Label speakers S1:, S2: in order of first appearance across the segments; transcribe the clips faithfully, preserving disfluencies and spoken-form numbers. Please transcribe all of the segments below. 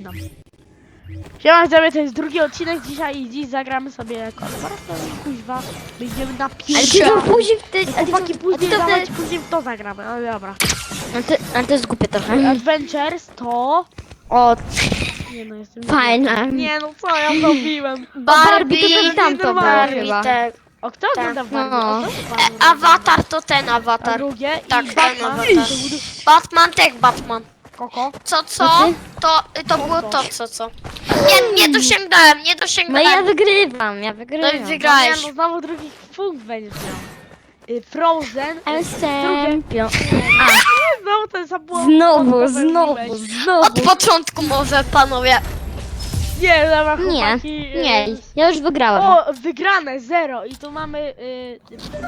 S1: zaczynam. Siema, widzowie, to jest drugi odcinek dzisiaj i dziś zagramy sobie korporację, kuźwa, będziemy na
S2: Ale
S1: pierwszy.
S2: ty to później w ty...
S1: Chłopaki, później
S2: to
S1: dawać,
S2: ty...
S1: później w to zagramy, no dobra.
S2: No to, ale to jest głupie trochę.
S1: Adventures to...
S2: O,
S1: Nie no, jestem...
S2: fajne.
S1: Nie no, co ja zrobiłem?
S2: Barbie,
S1: to
S2: i
S1: jest
S2: tam to było
S1: normalnie.
S2: chyba.
S3: Tak.
S1: O, kto
S3: Tak,
S1: ogląda
S2: no.
S1: Barbie? O, co Barbie?
S3: Awatar to ten
S1: A
S3: awatar.
S1: drugie
S3: Tak,
S1: i
S3: ten
S1: Batman.
S3: awatar. Batman, tak, Batman.
S1: Koko.
S3: Co, co? To, to było to, co, co? Nie, nie dosięgnąłem, nie
S2: No ja
S3: dosięgnąłem.
S2: wygrywam, ja wygrywam.
S3: No i
S1: Nie,
S3: wygrałeś.
S1: no znowu drugi punkt będziesz miał. Y, Frozen.
S2: Ale
S1: y, Drugie.
S2: champion.
S1: Znowu ten sam błąd.
S2: Znowu,
S1: błąd
S2: znowu,
S1: popełniłeś.
S2: znowu.
S3: Od początku może, panowie.
S1: Nie, dobra,
S2: Nie,
S1: chłopaki. y,
S2: nie, ja już wygrałem.
S1: O, wygrane, zero. I tu mamy... Y,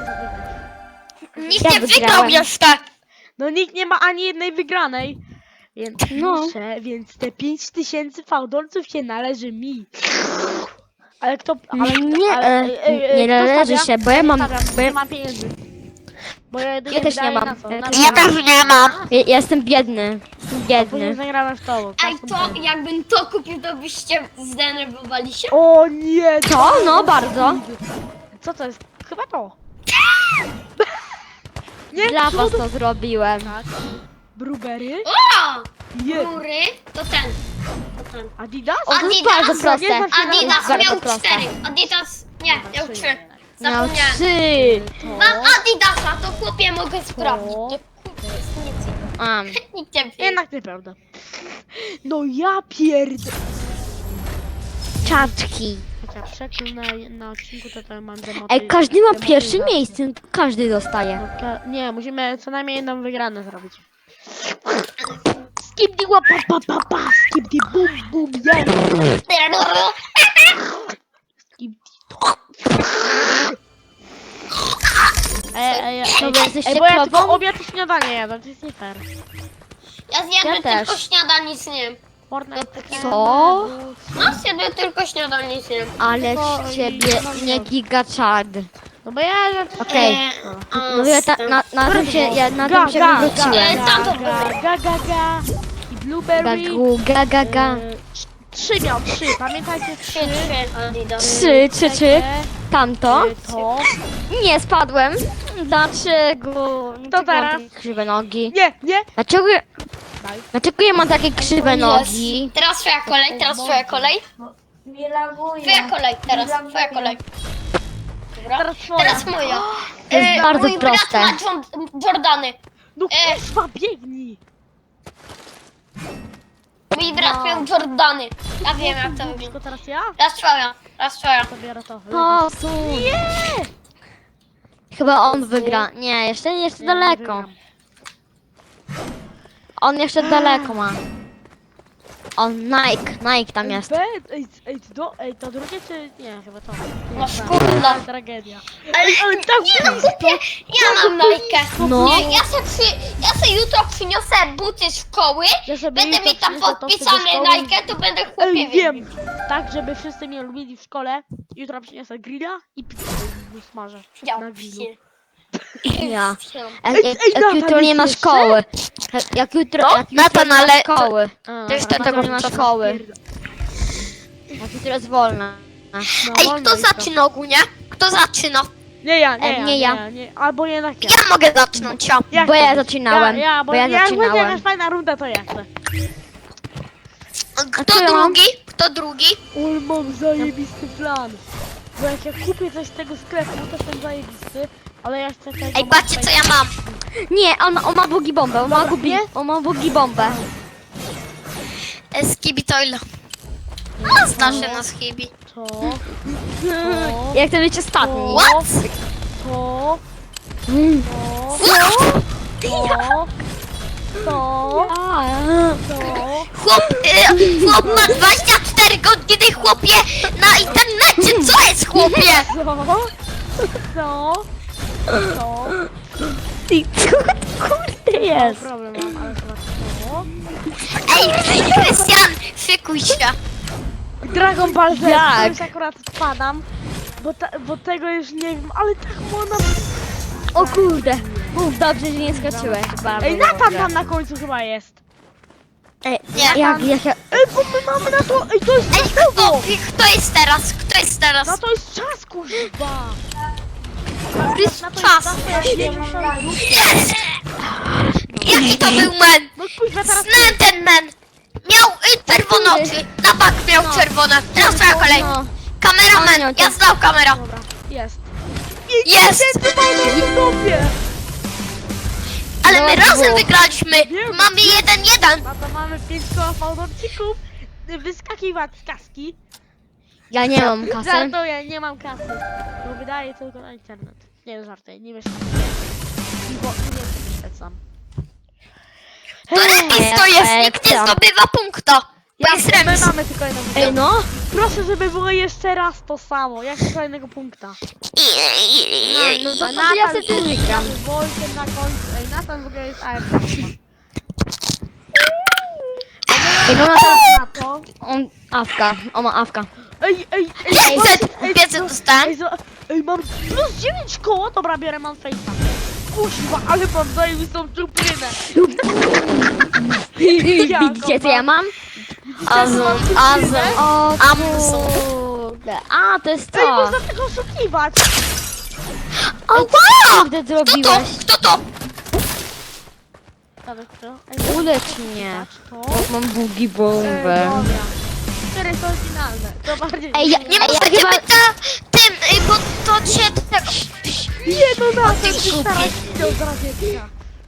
S3: Nikt
S2: Ja
S3: nie wygrał
S2: wygrałem.
S3: jeszcze.
S1: no nikt nie ma ani jednej wygranej. Więc
S2: No.
S1: muszę, więc te pięć tysięcy fałdolców się należy mi. Ale kto... Ale,
S2: Nie,
S1: ale,
S2: e,
S1: y, y, y,
S2: nie
S1: kto
S2: należy
S1: stawia?
S2: się, bo ja mam-
S1: stawiam,
S2: bo ja-
S1: nie mam pieniędzy. Bo ja, jedynie
S2: Ja też nie
S1: wydaję
S2: mam.
S1: Na co?
S2: Ja
S1: Na
S2: też
S1: co?
S2: nie mam.
S3: nie mam.
S2: Ja, ja jestem biedny. Jestem
S1: Później
S2: biedny.
S1: zagramy w to. bo
S3: Ej, to jakbym to kupił, to byście zdenerwowali się?
S1: O nie!
S2: Co? No bardzo.
S1: Co to jest? Chyba to. Nie?
S2: Dla was
S1: cud?
S2: to zrobiłem.
S1: Tak. Brubery?
S3: O!
S1: Je.
S3: Rury to ten. To ten.
S1: Adidas?
S2: O, to jest
S3: Adidas,
S2: bardzo proste.
S1: nie znam się na-
S3: Adidas
S2: bardzo
S3: miał
S2: proste.
S3: cztery. Adidas. Nie, miał
S1: trzy.
S3: trzy.
S2: Miał
S3: Zapomniałem.
S2: trzy.
S3: Mam Adidasa, to chłopie mogę sprawdzić.
S1: To.
S3: To chłopie jest nic.
S2: Am.
S3: Nikt nie wie.
S1: Jednak nieprawda. No ja pierd...
S2: Czaczki.
S1: Chociaż przekrój na, na odcinku to, to mam demoty...
S2: Ej, każdy ma
S1: demotyzację.
S2: pierwsze miejsce, każdy dostaje.
S1: No, ka- nie, musimy co najmniej jedną wygraną zrobić. Skip di łapa pa pa pa, skip di bum bum yeah. Skip di to. Ej, ej, ej,
S2: No bo
S1: ej,
S2: jesteście
S1: ej, bo ja
S2: krową?
S1: tylko obiad i śniadanie jadam, to jest nie fair.
S3: Ja zjadłem
S2: Ja też.
S3: tylko śniadanie, nic nie wiem.
S1: Fortnite,
S2: Co?
S3: No, zjadłem tylko śniadanie, nic nie wiem.
S2: Ale
S1: No
S2: z
S1: i-
S2: ciebie
S1: no
S2: nie
S1: wiem.
S2: gigaczad.
S1: No bo ja...
S2: Okej.
S3: Eee, a
S2: No ja ta,
S3: z tym-
S2: na, na tym się, ja na
S1: Ga,
S2: tym się
S1: ga,
S2: wywróciłem.
S1: ga,
S3: Tam to
S1: ga, ga, ga, ga. I blueberry.
S2: Gagu, ga, ga, ga.
S1: e, trz- Trzy miał, trzy, pamiętajcie, trzy.
S3: Trzy, trzy, Adidas.
S2: Trzy, trzy, trzy. Tamto.
S1: E, To.
S2: Nie, spadłem. Dlaczego? Dlaczego
S1: teraz?
S2: mam takie krzywe nogi?
S1: Nie, nie.
S2: Dlaczego, ja-
S1: Daj.
S2: dlaczego ja mam takie krzywe
S3: Jest.
S2: nogi?
S3: Teraz twoja kolej, teraz twoja kolej.
S4: Nie laguje.
S3: Twoja kolej, teraz
S4: Nie
S3: twoja
S4: laguje.
S3: kolej. Dobra.
S1: Teraz twoja.
S3: Teraz moja.
S2: To jest
S3: E,
S2: bardzo
S3: mój
S2: proste.
S3: brat ma John- Jordany.
S1: No
S3: E.
S1: kurwa, biegnij.
S3: Mój brat miał Jordany. Ja wiem jak to
S1: Tylko
S3: wygląda.
S1: teraz ja?
S3: Raz twoja, raz twoja.
S1: To biorę to.
S2: Posuń. Chyba on wygra. Nie, jeszcze, jeszcze
S1: Nie,
S2: daleko.
S1: wygram.
S2: On jeszcze daleko ma. On, Nike, Nike tam
S1: Ej,
S2: jest.
S1: be- Ej, ej, to, ej, to drugie czy... Nie, chyba to. Nie,
S3: No
S1: tak.
S3: szkurna.
S1: Tragedia.
S3: Ale,
S1: ale tak blisko.
S3: ja mam Nike.
S2: No.
S3: Nie, ja se, przy, ja se jutro przyniosę buty z szkoły.
S1: Ja sobie
S3: Będę
S1: jutro
S3: mi tam
S1: przyniosę to
S3: podpisane
S1: sobie do szkoły.
S3: Nike, to będę
S1: Ej,
S3: chłopie
S1: wiem. Tak, żeby wszyscy mnie lubili w szkole. Jutro przyniosę grilla i pizzę smażę. Na grillu.
S2: Ja.
S1: Ej,
S2: Jak,
S1: ej,
S2: jak, jak
S1: Natan,
S2: jutro nie ma
S1: jeszcze?
S2: szkoły. Jak- Jak jutro,
S3: No,
S2: jak jutro
S3: Natan,
S2: nie ma
S3: ale-
S2: szkoły.
S1: A,
S3: To jeszcze
S1: dobra,
S3: tego
S2: nie ma
S1: to
S2: szkoły.
S1: pierd-
S2: Jak jutro jest wolna.
S1: No,
S3: Ej,
S1: wolno
S3: kto
S1: jutro.
S3: zaczyna ogólnie? Kto zaczyna?
S1: Nie ja, nie
S2: E,
S1: ja,
S2: nie
S1: nie
S2: ja.
S1: ja. Nie, albo jednak ja.
S3: Ja mogę zacząć, ja.
S1: Jak
S2: Bo
S1: to
S2: ja
S1: być?
S2: zaczynałem,
S1: Ja, ja, bo,
S2: bo ja
S1: jak będzie
S2: zaczynałem.
S1: jakaś fajna runda, to ja chcę.
S3: Kto
S2: co ja mam?
S3: drugi? Kto drugi?
S1: Ul, mam zajebisty plan. Bo jak ja kupię coś z tego sklepu, to jestem zajebisty. Ale ja chcę tego...
S3: Ej, patrzcie co ja mam.
S2: Nie, on, on ma bugi bombę, on ma,
S1: Dobra,
S2: bugi,
S1: nie?
S2: on ma bugi bombę.
S3: E, Skibitoil. No, zna się na Skibi.
S1: To... To...
S2: Jak to być ostatni.
S3: What?
S1: To...
S2: Mm.
S1: To... To... To...
S2: A,
S1: To...
S3: Chłop, e, chłop ma dwadzieścia cztery godziny, chłopie, na internecie. Co jest, chłopie?
S1: To... To... To...
S2: Ty, co to kurde jest?
S1: Problem mam, ale chyba to...
S3: Ej, Krystian, szykuj się.
S1: Dragon Ball Z,
S2: Jak?
S1: to już akurat spadam. Bo, ta, bo tego już nie wiem, ale tak ona...
S2: O kurde. Mów, dobrze, że nie skoczyłeś. Bardzo
S1: Ej, Natan
S2: dobrze.
S1: tam na końcu chyba jest.
S2: Ej,
S3: Nie.
S2: jak, jak, jak,
S1: Ej, bo my mamy na to... Ej, to jest
S3: Ej,
S1: na
S3: kto,
S1: tego!
S3: kto jest teraz? Kto jest teraz?
S1: No to jest czas, kurwa!
S3: To jest
S1: Na to
S3: czas.
S1: jest czas, to ja nie muszę...
S3: Jest! Jaki to był men?
S1: No kurwa, teraz...
S3: Znałem ten men! Miał y, czerwone oczy, na bak miał czerwone. Teraz twoja kolej.
S2: no.
S3: Kameraman, ja znał kamera.
S1: Dobra, jest.
S3: Jest!
S1: W dupie!
S3: Ale my
S2: No,
S3: razem
S2: było.
S3: wygraliśmy.
S1: Wiem.
S3: Mamy jeden jeden.
S1: No to mamy pięć koła fałdowcików. Wyskakiwać z kaski.
S2: Ja nie mam kasy.
S1: Żartuję, nie mam kasy. Bo wydaję tylko na internet. Nie, żartuję, nie mieszkam. I bo nie świecam.
S3: To remis to jest, nikt nie zdobywa punkta. Bo jest
S1: my
S3: remis.
S1: mamy tylko jedną
S2: Ej,
S1: wygraną.
S2: no.
S1: Proszę, żeby było jeszcze raz to samo. Jak z kolejnego punkta.
S2: No to,
S1: A
S2: to ja sobie tu wygram.
S1: Wojtek na końcu. Ej, Nathan w ogóle jest A F K.
S2: Ej, no, no teraz
S1: Na to.
S2: on awka, on ma awka.
S1: Ej, ej, ej.
S3: pięćset,
S1: ej,
S3: pięćset
S1: no,
S3: dostałem.
S1: Ej, zo- ej, mam plus dziewięć koło. Dobra, biorę mam face'a. Kuźwa, ale mam zajebistą czuprynę.
S2: Widzicie co ja mam?
S3: Azum, azum.
S2: O
S3: Amazon.
S2: kurde. A, to jest
S1: Ej,
S2: to.
S1: można tego oszukiwać.
S3: Ała!
S2: Kurde
S3: Kto to?
S2: zrobiłeś.
S3: Kto to?
S1: Dobra, kto? Ej,
S2: Ulecz mnie.
S1: to.
S2: Mam bugi
S1: Ej,
S2: bombę.
S1: dobra. Cztery są finalne. To bardziej...
S2: Ej, ja-
S3: Nie
S2: Ej, ja
S3: możecie
S2: chyba-
S3: być na tym, y, bo to się tego...
S1: Nie, no na
S3: ty
S1: tym się
S3: głupie.
S1: starasz widział z radziecka.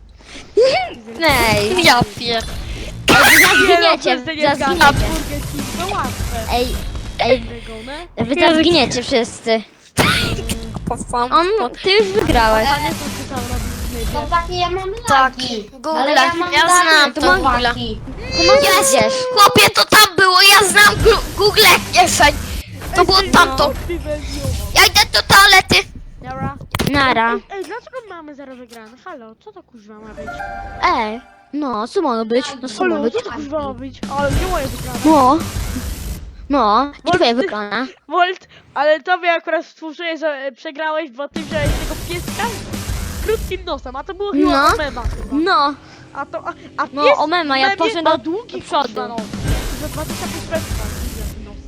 S2: Ej,
S3: Ja pier...
S2: zginiecie,
S1: no,
S2: zaraz
S1: zginiecie.
S2: zginiecie.
S1: No łatwe.
S2: Ej, ej,
S1: Wygonę.
S2: wy teraz zginiecie wszyscy. On, ty już wygrałeś.
S1: A nie to ty tam robisz
S4: No takie ja mam
S3: Tak,
S4: lagi.
S3: Google,
S4: Ale ja mam
S3: ja
S4: lagi,
S3: znam
S4: to
S3: to Google.
S4: lagi.
S3: Jest! Chłopie, to tam było, ja znam gru- Google kieszeń. To było tamto. Ja idę do toalety.
S1: Dobra.
S2: Nara.
S1: Ej, ej, dlaczego mamy zero wygrane? Halo, co to kuźwa ma być?
S2: Ej, no, co ma być? No, co ma
S1: Halo,
S2: być?
S1: co to kuźwa ma być? Ale nie moje wygrane.
S2: No. No, i twoje wygrana.
S1: Volt, ale tobie akurat współczuję, że e, przegrałeś, bo ty wziąłeś tego pieska z krótkim nosem, a to było chyba
S2: No.
S1: no. mema chyba.
S2: No,
S1: A to, a, a
S2: No,
S1: pies
S2: o mema, ja
S1: w memie
S2: poszedłem
S1: ma
S2: do-
S1: długi
S2: do przodu.
S1: kurwa nos. Za dwadzieścia pięć metrów ma długi nos.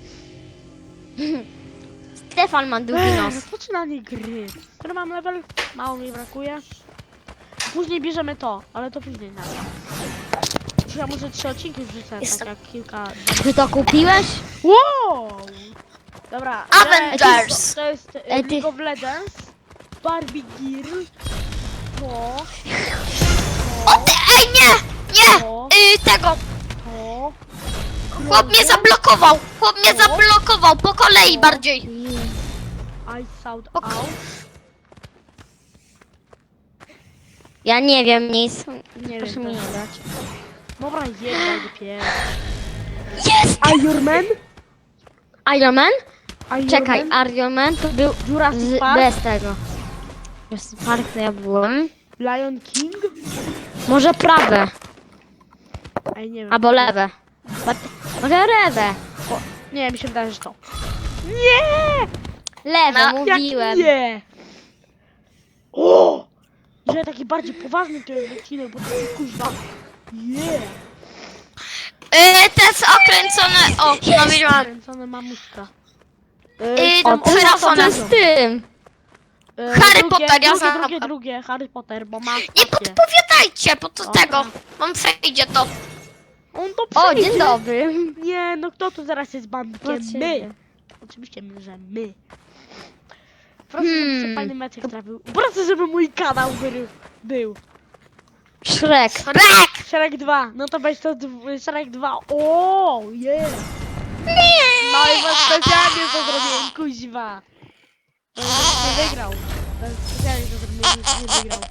S2: Stefan ma długi nos.
S1: Ech, rozpoczynanie gry. Który mam level? Mało mi brakuje. Później bierzemy to, ale to później na. Ja może trzy odcinki wrzucę,
S3: Jestem.
S1: tak jak kilka...
S2: Ty to kupiłeś?
S1: Wow! Dobra,
S3: Avengers.
S1: to jest e,
S2: Ej, ty-
S1: League of Legends, Barbie Gear, to,
S3: O ty, ej nie! Nie!
S1: to,
S3: Y, tego.
S1: to,
S3: Chłop mnie zablokował. Chłop mnie zablokował. Po kolei bardziej.
S1: I Sound Out,
S2: Ja nie wiem nic.
S1: nie
S2: Proszę
S1: wiem,
S2: mi nie
S1: też.
S2: dać.
S1: Dobra, jedź dopiero.
S3: Jest!
S1: Iron Man?
S2: Iron Man?
S1: Iron
S2: Czekaj,
S1: Man?
S2: Iron Man to był
S1: Jurassic
S2: z,
S1: Park?
S2: bez tego. Jurassic Park to ja byłem.
S1: Lion King?
S2: Może prawe,
S1: Ej, nie wiem.
S2: albo lewe. But, może lewe.
S1: Nie, mi się wydaje, że to. Nie!
S2: Lewe,
S3: No,
S2: mówiłem.
S1: Jak nie! O! Że taki bardziej poważny to jest odcinek, bo to jest kuźwa. Nie!
S3: Y, te są okręcone. O, no widziałam.
S1: Kręcone mamuśka.
S3: Y,
S2: O, ty
S3: Trafone.
S2: to z tym.
S1: E,
S3: Harry
S1: drugie,
S3: Potter, ja
S1: drugie,
S3: znam.
S1: drugie, drugie, Harry Potter, bo ma
S3: Nie
S1: stację.
S3: podpowiadajcie, bo to
S1: Dobra.
S3: tego. Mam przejdzie to.
S1: On to
S2: O,
S1: przejdzie.
S2: dzień dobry.
S1: Nie, no kto tu zaraz jest bandykiem?
S2: Proszę.
S1: My. Oczywiście, że my. Proszę,
S2: Hmm.
S1: żebyś fajny meczek trafił. Proszę, żeby mój kanał był. był.
S2: Shrek.
S3: Rek!
S1: Shrek dwa, no to weź to dw- Shrek dwa. O, yeah. No i was specjalnie to zrobiłem, kuźwa. To nie wygrał. To specjalnie to zrobiłem, nie wygrał.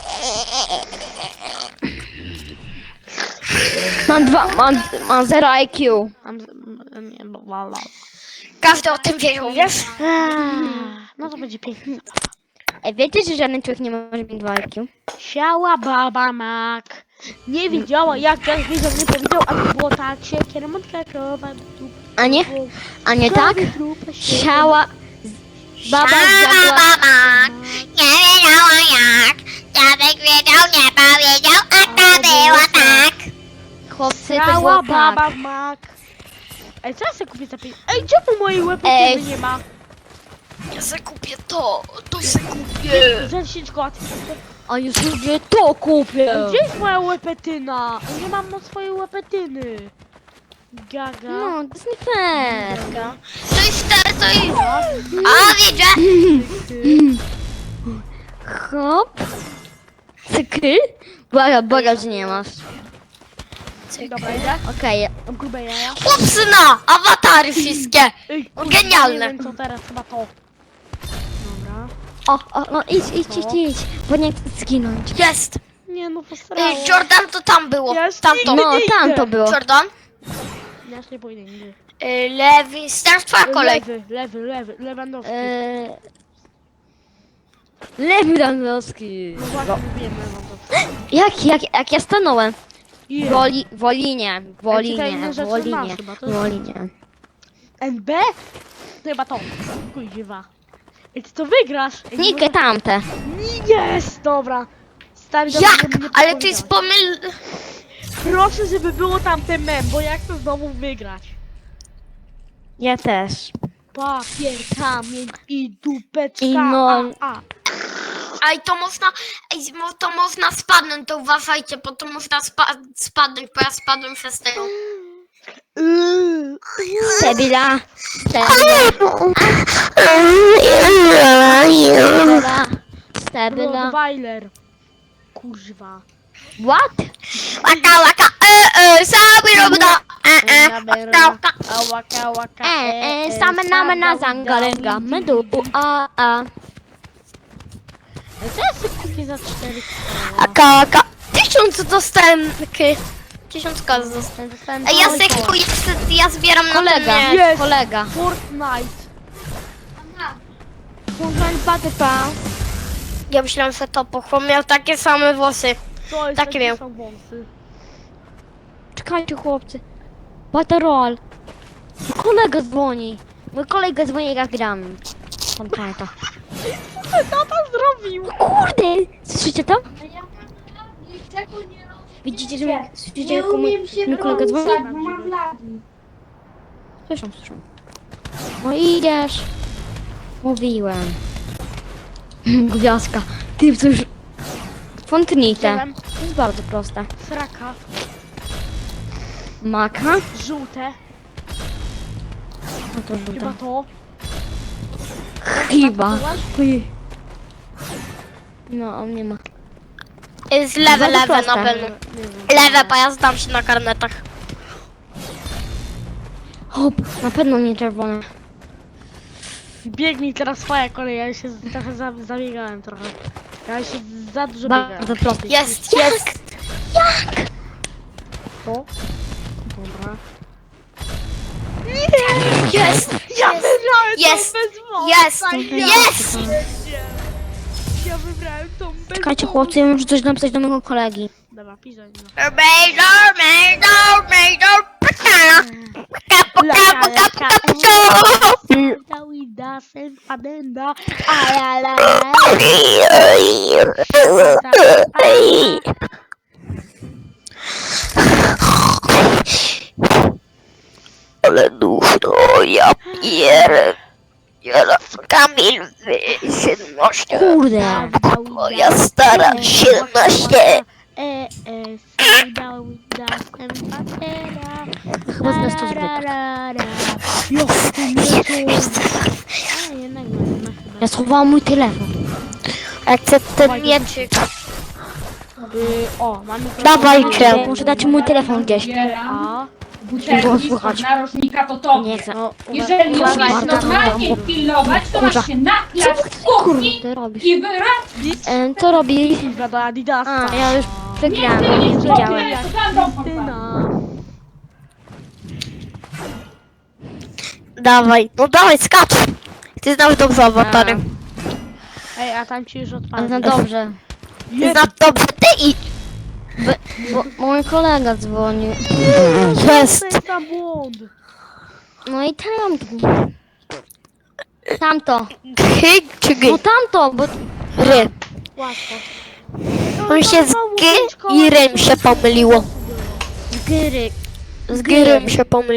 S2: Mam dwa, mam, mam zero I Q.
S1: Mam, z- m- nie, bo wala.
S3: Każdy o tym wiedział, wiesz?
S1: No to będzie pięknie.
S2: Ej, wiecie, że żaden człowiek nie może mieć dwa I Q?
S1: Siała baba mak. Nie wiedziała jak ten wiedział, nie powiedział, a to było tak się kierunka krowa.
S2: A nie? A nie tak? Siała... Baba
S3: Siała
S2: zjadła...
S3: baba, nie wiedziała jak. Dziadek wiedział, nie powiedział, a ta była tak.
S2: chłopcy, to
S1: Strała
S2: było
S1: baba
S2: tak.
S1: w mak. Ej, co ja sobie kupię za pieniądze? Ej, czemu mojej
S2: Ej.
S1: łepetyny nie ma?
S3: Ja se kupię to, to se kupię.
S1: Za dziesięć kot.
S2: A już ludzie to kupię.
S1: Gdzie jest moja łepetyna? Nie mam na swojej łepetyny. Gaga.
S2: No, to jest nie fair.
S3: To jest te, to jest... A, widzę!
S2: Hop. Cykl? Błaga, błaga, że nie masz.
S1: Dobra, idę.
S2: Okej,
S1: Mam grube jaja.
S3: Chłopcy na awatary wszystkie.
S1: Ej, kurwa,
S3: Genialne.
S1: Nie wiem co teraz, chyba to. Dobra.
S2: o, o, no idź, idź, idź, idź, bo nie chcę zginąć.
S3: Jest.
S1: Nie no, posrało.
S3: Y, Jordan to tam było.
S1: Ja już
S3: Tamto.
S1: nigdy
S2: No,
S1: nie
S2: tam
S1: idę.
S2: to było.
S3: Jordan.
S1: Ja już nie pójdę nigdy.
S3: Y, lewy, teraz twoja kolej.
S1: Lewy, lewy, lewy, Lewandowski.
S2: Eee... Lewy Dąbrowski.
S1: No właśnie, mówiłem Lewandowski.
S2: Jak, jak, jak ja stanąłem?
S1: Yeah.
S2: Woli, Wolinie,
S1: tutaj
S2: Wolinie,
S1: inne rzeczy
S2: Wolinie,
S1: masz chyba, to jest-
S2: Wolinie.
S1: N B? To chyba to. Kuźwa. Ej, ty to wygrasz. Ej,
S2: Nikę
S1: może-
S2: tamte.
S1: Jest, dobra. Stary, dobrze,
S3: Jak?
S1: żeby mnie
S3: Ale to jest
S1: podpowiedziałeś.
S3: pomyl...
S1: Proszę, żeby było tamte mem, bo ja chcę znowu wygrać.
S2: Ja też.
S1: Papier, kamień i dupeczka.
S2: I no-
S1: A, a.
S3: Ej, to można... Ej, mo- to można spadnąć, to uważajcie, bo to można spa spadnąć, bo ja spadłem przez tego.
S1: Yy.
S2: Stebila. Stebila. Stebila. Stebila.
S1: Rottweiler. Kurwa.
S2: What?
S3: Łaka, łaka, e, e, sobie robda. E, e, łaka, łaka.
S1: A waka, waka.
S2: E, e, same name na zangalenga. Medu, a, a.
S1: Co ja sobie kupię za cztery koła?
S3: Łaka, łaka. Tysiąc dostałem, takie... Tysiąc kas dostałem.
S2: Dostałem
S3: Ej, ja
S2: mały
S3: se
S2: koło.
S3: kupuję, ja zbieram na
S2: Kolega,
S3: ten...
S1: Jest.
S2: kolega.
S1: Fortnite.
S2: Fortnite Battle Pass.
S3: Ja myślałem, że to pochłon miał takie same włosy.
S1: To jest
S3: Takie
S1: takie
S3: miał.
S1: są wąsy.
S2: Czekajcie chłopcy. Battle Roll. Mój kolega dzwoni. Mój kolega dzwoni jak gram. Fortnite'a.
S1: Co to zrobił?
S2: Kurde! Słyszycie to? Widzicie, że mnie, słyszycie,
S4: Nie
S2: jak mój,
S4: umiem się
S2: mój kolega dzwoni?
S4: bronić, bo mam lagi.
S2: Słyszą, słyszą. No idziesz. Mówiłem. Gwiazdka. Ty coś... Fontanite.
S1: Wziąłem
S2: To jest bardzo proste.
S1: sraka,
S2: Maka.
S1: żółte,
S2: No to
S1: chyba
S2: żółte.
S1: to.
S2: Chyba. Uj. No, on nie ma.
S3: Jest lewe,
S2: Bardzo
S3: lewe
S2: proste.
S3: na pewno.
S1: Nie wiem.
S3: Lewe, bo ja zdam się na karnetach.
S2: Hop, na pewno nie czerwone.
S1: Biegnij teraz twoja kolej, ja się z- trochę za, zabiegałem trochę. Ja się za dużo biegałem.
S2: Bardzo proste.
S3: Jest, jest.
S1: To? Dobra.
S3: Jest.
S1: Ja wybrałem
S3: Jest.
S1: tą bez wąsa,
S3: Jest.
S1: ja
S3: Jest.
S1: pierdzie. Ja wybrałem tą bez
S2: Czekajcie
S1: wąsa.
S2: chłopcy, ja muszę coś napisać do mojego kolegi.
S1: Dobra, pisać no.
S3: Major, major, major. Paka. Paka,
S1: Laka,
S3: paka,
S1: laka,
S3: paka, paka.
S1: Dawida, sen padenda. Ayala.
S3: Ale duszno, ja pierę. Ja Kamil, wy, siedemnaście.
S2: Kurde.
S3: Moja stara, siedemnaście.
S1: E, e, sen Dawida, sen padenda.
S2: Chyba z nas to zbyt.
S1: Jo, ty nie to. A, jednak nie, jednak chyba.
S2: Ja schowałam mój telefon.
S3: Jak chcę ten mieczyk.
S1: Y, o, mamy to.
S3: Dawajcie.
S2: Muszę dać mój telefon gdzieś.
S1: A,
S2: Było
S5: butelki
S2: słychać.
S5: z narożnika to to.
S2: Nie chcę.
S1: no,
S5: Jeżeli
S1: uważaj,
S5: umiesz
S2: bardzo
S5: normalnie
S2: trudno.
S5: pilnować, to
S2: Kurwa.
S5: masz się naklać w kuchni
S2: Kurde, robisz.
S5: i wyrazić.
S2: E, co robi?
S1: Kurwa, do Adidasa.
S2: A, ja już
S5: Nie,
S2: przegrałam,
S5: ty
S2: nie
S5: nie
S2: wiedziałem.
S5: spokojnie, to tam dom
S1: Krystyna.
S3: Dawaj, no dawaj, skacz. Ty znasz dobrze awatary.
S1: Ej, a tam ci już
S2: Ale
S1: odpadł.
S2: no dobrze.
S3: Ty znasz dobrze, ty i...
S2: Bo, bo mój kolega dzwonił.
S3: Jest.
S1: To jest za błąd.
S2: No i tamto. Tamto.
S3: Hy czy
S2: No
S3: gy?
S2: tamto, bo...
S3: Ry.
S1: Łatwo.
S3: On się z gy i rym się pomyliło.
S2: Gyry.
S3: Z gry mi się pomyliło.